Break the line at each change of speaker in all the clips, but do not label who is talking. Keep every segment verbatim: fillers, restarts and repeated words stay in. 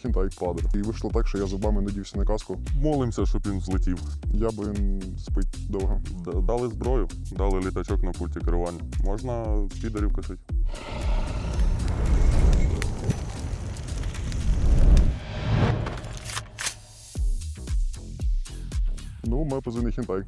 хінтай.
Падре.
І вийшло так, що я зубами надівся на каску.
Молимося, щоб він злетів.
Я би він спить довго.
Д- Дали зброю, дали літачок на пульті керування. Можна підарів косити.
Ну, моє позивний хінтай.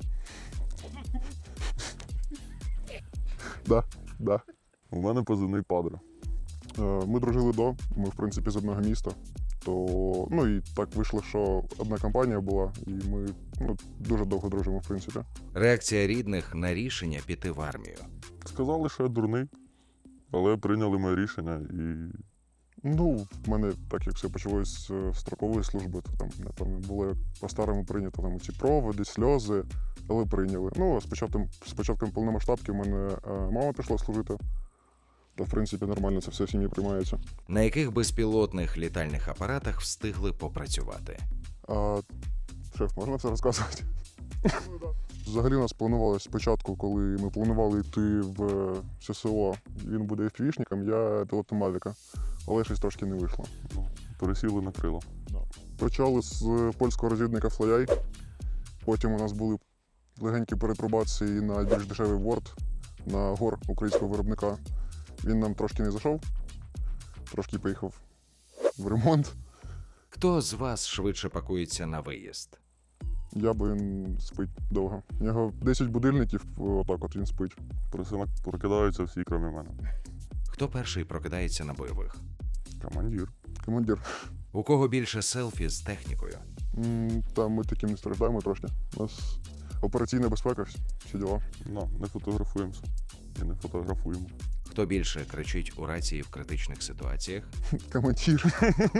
Да, да.
У мене позивний Падре.
Е, Ми дружили до, ми, в принципі, з одного міста. То, ну і так вийшло, що одна компанія була, і ми ну, дуже довго дружимо, в принципі.
Реакція рідних на рішення піти в армію.
Сказали, що я дурний, але прийняли моє рішення і
Ну, в мене, так як все почалось з строкової служби, то там, напевно, було як по-старому прийнято там ці проводи, сльози, але прийняли. Ну, а з початком, з початком повномасштабки в мене е, мама пішла служити. То, в принципі, нормально це все в сім'ї приймається.
На яких безпілотних літальних апаратах встигли попрацювати?
А, шеф, можна це розказувати? Взагалі у нас планувалось спочатку, коли ми планували йти в ССО, він буде еф-вішником, я пілотом Мавіка, але щось трошки не вийшло.
ну, пересіли на крила.
Почали з польського розвідника Флояй, потім у нас були легенькі перепробації на більш дешевий Word, на гор українського виробника. Він нам трошки не зайшов, трошки поїхав в ремонт.
Хто з вас швидше пакується на виїзд?
Я би він спить довго. У нього десять будильників, отак от він спить.
Просинок прокидаються всі, крім мене.
Хто перший прокидається на бойових?
Командир.
Командир.
У кого більше селфі з технікою?
М, Та ми таким не страждаємо трошки. У нас операційна безпека, всі- всі діла.
Ну, не фотографуємося. І не фотографуємо.
Хто більше кричить у рації в критичних ситуаціях?
Командир.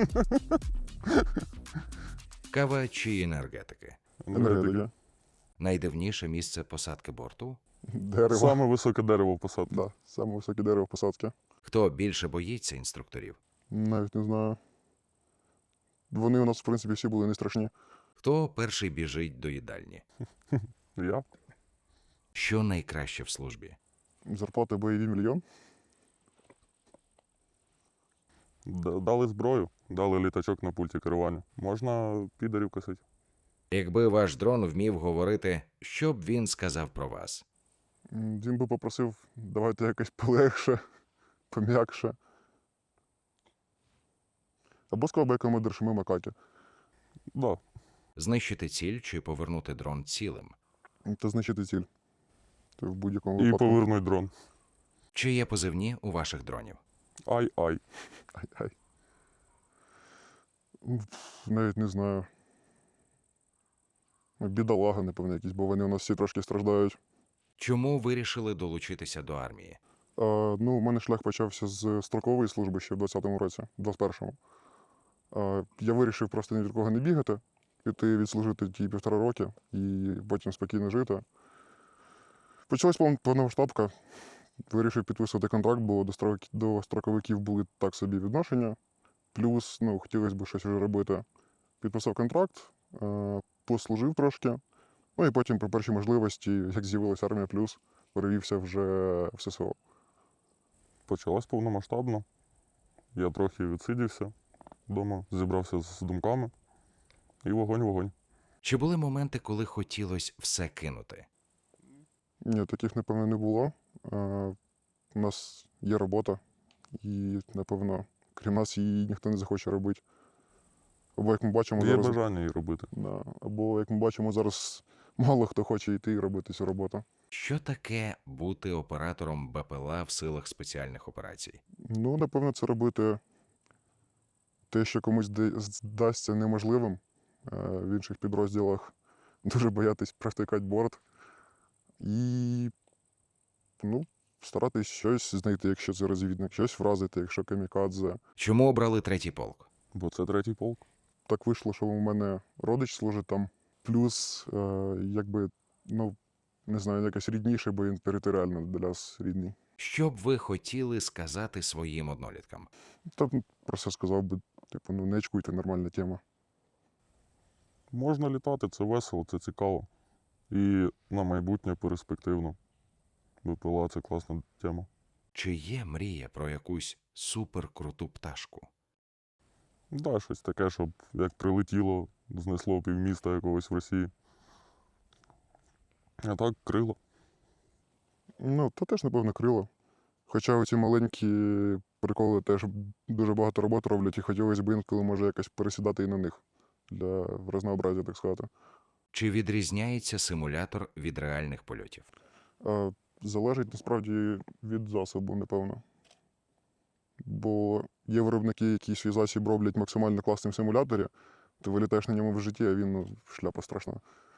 Кава чи енергетики?
Енергетика.
Найдивніше місце посадки борту?
Дерево.
Саме високе дерево в посадці.
Да, саме високе дерево посадки.
Хто більше боїться інструкторів?
Навіть не знаю. Вони у нас, в принципі, всі були не страшні.
Хто перший біжить до їдальні?
Я?
Що найкраще в службі?
Зарплата бойові мільйон.
Д- Дали зброю, дали літачок на пульті керування. Можна підарів косити.
Якби ваш дрон вмів говорити, що б він сказав про вас?
М, Він би попросив, давайте якось полегше, пом'якше. Або сказав би як командир, що ми макаки.
Да.
Знищити ціль чи повернути дрон цілим?
Це знищити ціль. Це в будь-якому
І
випадку.
повернуть дрон.
Чи є позивні у ваших дронів?
Ай-ай.
Ай-ай. М, Навіть не знаю. Бідолага, напевно, якісь, бо вони у нас всі трошки страждають.
Чому вирішили долучитися до армії?
А, ну, у мене шлях почався з строкової служби ще в двадцятому році, двадцять першому. А, я вирішив просто ні від кого не бігати, піти відслужити ті півтора роки і потім спокійно жити. Почалась пов- повномасштабка. Вирішив підписувати контракт, бо до, строк... до строковиків були так собі відношення. Плюс, ну, хотілося б щось вже робити. Підписав контракт, е, послужив трошки. Ну і потім при першій можливості, як з'явилася армія плюс, перевівся вже в ССО.
Почалась повномасштабно. Я трохи відсидівся вдома, зібрався з думками. І вогонь-вогонь.
Чи були моменти, коли хотілося все кинути?
Ні, таких, напевно, не було. Е, у нас є робота, і, напевно, крім нас її ніхто не захоче робити. Або, як ми бачимо,
Є
зараз,
бажання її робити.
да, або, як ми бачимо, зараз мало хто хоче йти і робити цю роботу.
Що таке бути оператором БПЛА в силах спеціальних операцій?
Ну, напевно, це робити те, що комусь зда- здасться неможливим. Е, В інших підрозділах дуже боятись провтикати борт. І ну, старатись щось знайти, якщо це розвідник, щось вразити, якщо камікадзе.
Чому обрали третій полк?
Бо це третій полк.
Так вийшло, що у мене родич служить там. Плюс, е, якби, ну, не знаю, якось рідніше, бо він територіально для нас рідний.
Що б ви хотіли сказати своїм одноліткам?
Та просто сказав би, типу, ну не очкуйте, нормальна тема.
Можна літати, це весело, це цікаво. І на майбутнє перспективно. БПЛА – це класна тема.
Чи є мрія про якусь суперкруту пташку?
Да, щось таке, щоб як прилетіло, знесло півміста якогось в Росії. А так, крило.
Ну, то теж, напевно, крило. Хоча оці маленькі приколи теж дуже багато роботи роблять, і хотілося б інколи може якось пересідати і на них для разнообразя, так сказати.
Чи відрізняється симулятор від реальних польотів?
А, залежить насправді від засобу, напевно. Бо є виробники, які свій засіб роблять максимально класним в симуляторі, ти вилітаєш на ньому в житті, а він ну, шляпа страшна.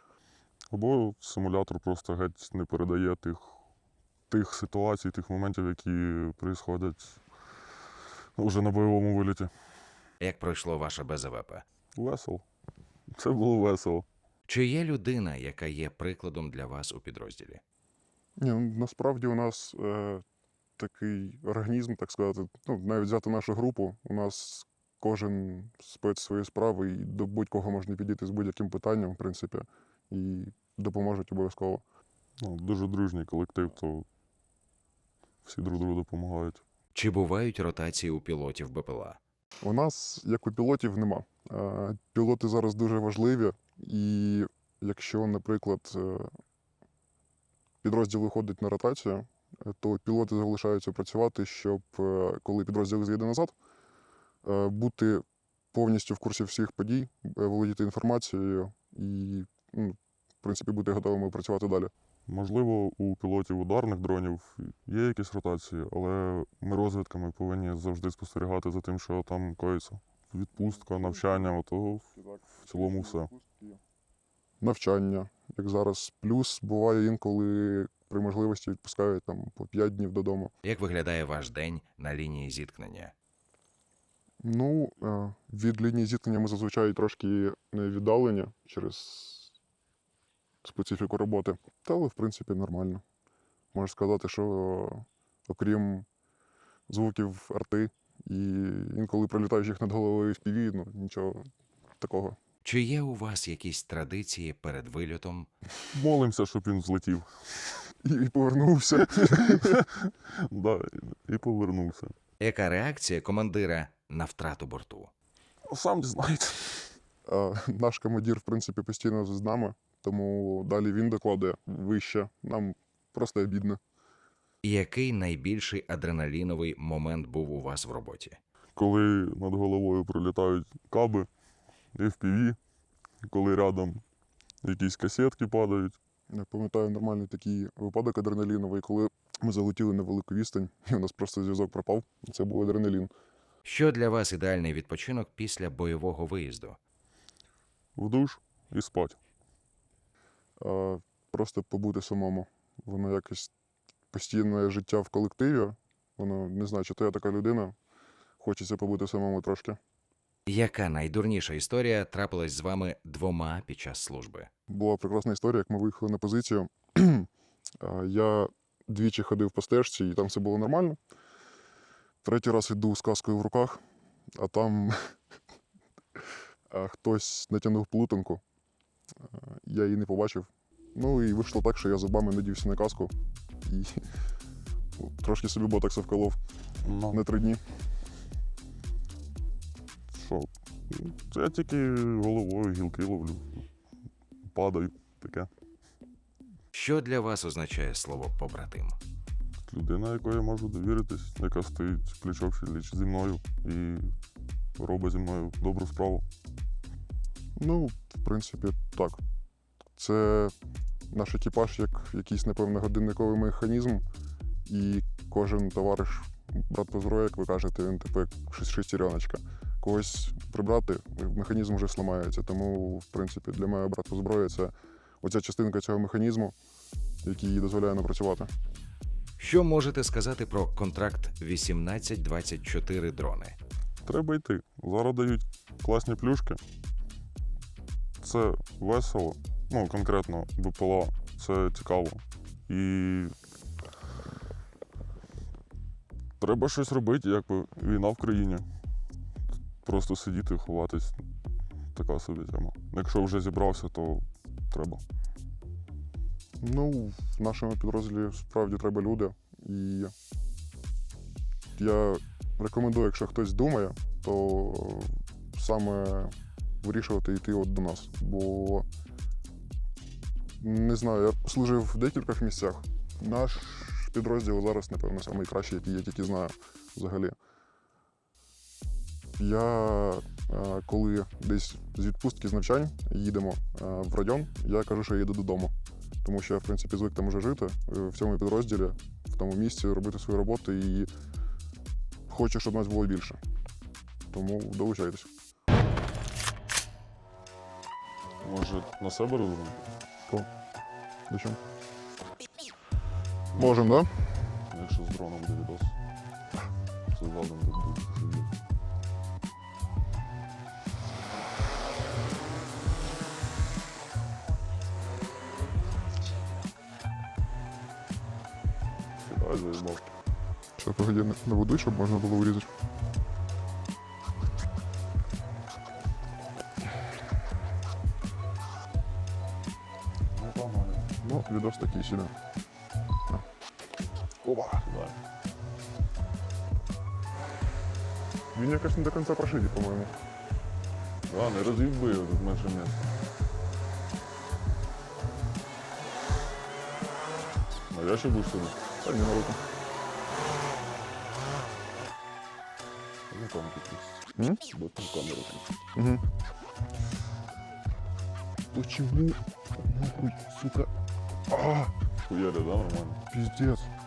Або симулятор просто геть не передає тих, тих ситуацій, тих моментів, які происходять вже на бойовому виліті.
Як пройшло ваше БЗВП?
Весело. Це було весело.
Чи є людина, яка є прикладом для вас у підрозділі?
Ні, ну, насправді у нас е, такий організм, так сказати, ну, навіть взяти нашу групу, у нас кожен спец свої справи, і до будь-кого можна підійти з будь-яким питанням, в принципі, і допоможуть обов'язково.
Ну, дуже дружній колектив, то всі друг другу допомагають.
Чи бувають ротації у пілотів БПЛА?
У нас, як у пілотів, нема. Е, Пілоти зараз дуже важливі, і якщо, наприклад, е, підрозділ виходить на ротацію, е, то пілоти залишаються працювати, щоб е, коли підрозділ з'їде назад, е, бути повністю в курсі всіх подій, е, володіти інформацією і, ну, в принципі, бути готовими працювати далі.
Можливо, у пілотів ударних дронів є якісь ротації, але ми розвідками повинні завжди спостерігати за тим, що там коїться. Відпустка, навчання, ото в цілому все.
Навчання, як зараз. Плюс буває інколи при можливості відпускають там по п'ять днів додому.
Як виглядає ваш день на лінії зіткнення?
Ну, е, від лінії зіткнення ми зазвичай трошки не віддалені через специфіку роботи. Та, але, в принципі, нормально. Можна сказати, що окрім звуків арти і інколи прилітаючих над головою в пі ві, ну, нічого такого.
Чи є у вас якісь традиції перед вильотом?
Молимося, щоб він злетів.
І, і повернувся.
Да, і повернувся.
Яка реакція командира на втрату борту?
Сам дізнаєте.
А наш командир, в принципі, постійно з нами, тому далі він докладає вище. Нам просто обідно.
І який найбільший адреналіновий момент був у вас в роботі?
Коли над головою пролітають каби, еф пі ві, коли рядом якісь касетки падають.
Я пам'ятаю нормальний такий випадок адреналіновий, коли ми залетіли на велику відстань, і у нас просто зв'язок пропав. Це був адреналін.
Що для вас ідеальний відпочинок після бойового виїзду?
В душ і спать.
А просто побути самому. Воно якось постійне життя в колективі. Воно не знаю, чи то я така людина. Хочеться побути самому трошки.
Яка найдурніша історія трапилась з вами двома під час служби?
Була прекрасна історія, як ми виїхали на позицію. А, Я двічі ходив по стежці, і там все було нормально. Третій раз йду з каскою в руках, а там а, хтось натягнув плутанку. А, Я її не побачив. Ну і вийшло так, що я зубами надівся на каску і ну, трошки собі ботокса вколов
Ну,
на три дні.
що? Це я тільки головою гілки ловлю. Падаю, таке.
Що для вас означає слово побратим?
Людина, якої я можу довіритись, яка стоїть плечо в пліч зі мною і робить зі мною добру справу.
Ну, в принципі, так. Це наш екіпаж як якийсь, напевно, годинниковий механізм, і кожен товариш, брат по зброї, як ви кажете, він типу як шес- шестереночка. Когось прибрати, механізм вже сламається. Тому, в принципі, для мене брат по зброї це оця частинка цього механізму, який їй дозволяє нам працювати.
Що можете сказати про контракт вісімнадцять двадцять чотири дрони?
Треба йти. Зараз дають класні плюшки. Це весело. Ну, конкретно БПЛА. Це цікаво. І треба щось робити, якби війна в країні. Просто сидіти, ховатись. Така собі тема. Якщо вже зібрався, то треба.
Ну, в нашому підрозділі справді треба люди. І я рекомендую, якщо хтось думає, то саме вирішувати йти от до нас. Бо не знаю, я служив в декількох місцях. Наш підрозділ зараз, напевно, найкращий, який я тільки знаю взагалі. Я, е, коли десь з відпустки з навчань їдемо е, в район, я кажу, що я їду додому. Тому що я, в принципі, звик там уже жити е, в цьому підрозділі, в тому місці, робити свою роботу і хочу, щоб нас було більше. Тому долучайтесь.
Може, на себе розуміти?
О, до чого? Можемо, так? Да?
Якщо з дроном буде відос. Це задом буде сидіти. Кидай, заїбав.
Ще погоді не води, щоб можна було урізати.
Ну, погнали.
Ну, відос такий собі.
Опа. Кидай.
Він якось не до кінця прошитий, по-моєму.
Да, не роз'їбив, тут менше місця. А я ще будеш сюди?
Та ні, на руку.
Ну там тут
М?
є. Бо там камера.
Угу. Почему? Нахуй, сука. А,
Хуяря, да, нормально?
пиздец.